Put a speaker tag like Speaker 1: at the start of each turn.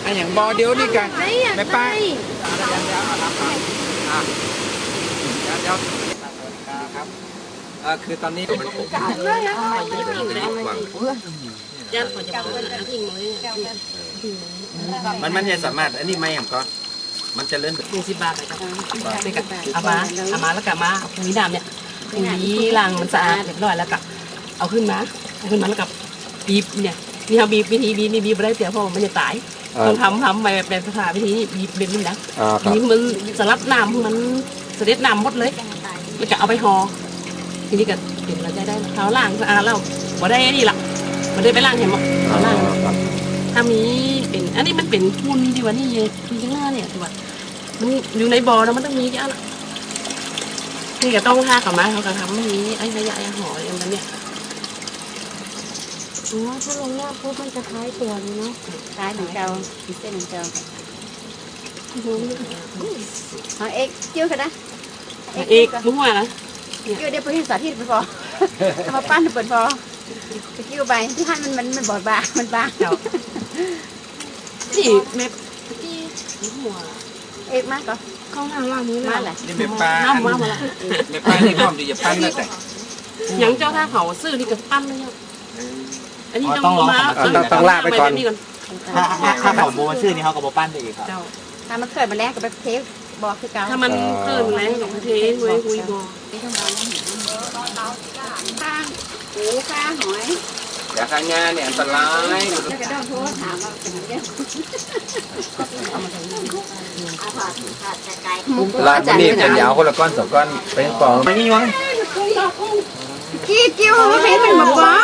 Speaker 1: ไอ้อย่างบอเดียวนี่กันแม่ป้าคือตอนนี้มันผมมันจะสามารถอันนี้ไม่อย่างก็มันจะเลื่อน
Speaker 2: 10 บาทไปกับเอามาแล้วก็มาปุ๋ยดำเนี่ยปุ๋ยล้างมันสะอาดเรียบร้อยแล้วก็เอาขึ้นมาแล้วกับบีบเนี่ยนี่เขาบีบวิธีบีบนี่บีบไม่ได้เสียเพราะมันจะตายต้องทำแบบสถานวิธีบีบเป็นนี่นะบีบมันสลัดน้ำมันเสด็จน้ำหมดเลยแล้วก็เอาไปห่อทีนี้ก็เก็บเราได้เขาล้างสะอาดแล้วพอได้นี่ละมันได้ไปล้างเห็นมั้ยเขาล้างถ้ามีเป็นอันนี้มันเป็นพุ่นที่ว่านี่ที่ข้างหน้าเนี่ยที่ว่ามันอยู่ในบ่อแล้วมันต้องมีแค่ละนี่ก็ต้องท่ากับไม้เขาก็ทำนี้ไอ้ขยะห่ออย่างนั้นเนี่ย
Speaker 3: อ๋อถ้าลงยากปุ๊บมันจะคล้ายตัวนี้เนาะคล้ายเหมือนเกาเส้นเหมือนเกาเอาเอ็กเจียวกันนะ
Speaker 2: เอกมุ้งว่านะ
Speaker 3: เจียวเดี๋ยวไปให้สาธิตไปพอทำมาปั้นเปิดพอไปเจียวไปที่ให้มันบอดบางมันบาง
Speaker 2: นี่เม็ดที่หัว
Speaker 3: เอ็กมากก็
Speaker 2: เข้าหน้าล่างนี้
Speaker 3: มาแหละ
Speaker 1: นี่แม่ป้า
Speaker 2: น้ำมาละ
Speaker 1: แม่ป้านี่ความดีจะปั้นแล้วแต่
Speaker 2: ยังเจ้าท่าเขาซื้อนี่ก็ปั้นเลยอันนี้ต้องมา
Speaker 4: ต้องลากไปก่อน
Speaker 5: ถ้าเขาโบชื่อนี้เขาก็โบปั้นไปอีกครับ
Speaker 3: ถ้ามันเกิดมาแรกก็ไปเทสบอกคือเก่า
Speaker 2: ถ้ามันเกิดมาแล้วก็เทสคุยบอก
Speaker 3: ข้างหูข้างหอย
Speaker 1: อย่าข้างงานเนี่ยอันตราย
Speaker 3: จะกระโดดโทษถามว่าเป็นยังไง
Speaker 1: ลาดนี่จะยาวคนละก้อน2 ก้อนเป็นปอง
Speaker 5: ไม่มีวะ
Speaker 3: กี้กิ้วให้มันบอกว่า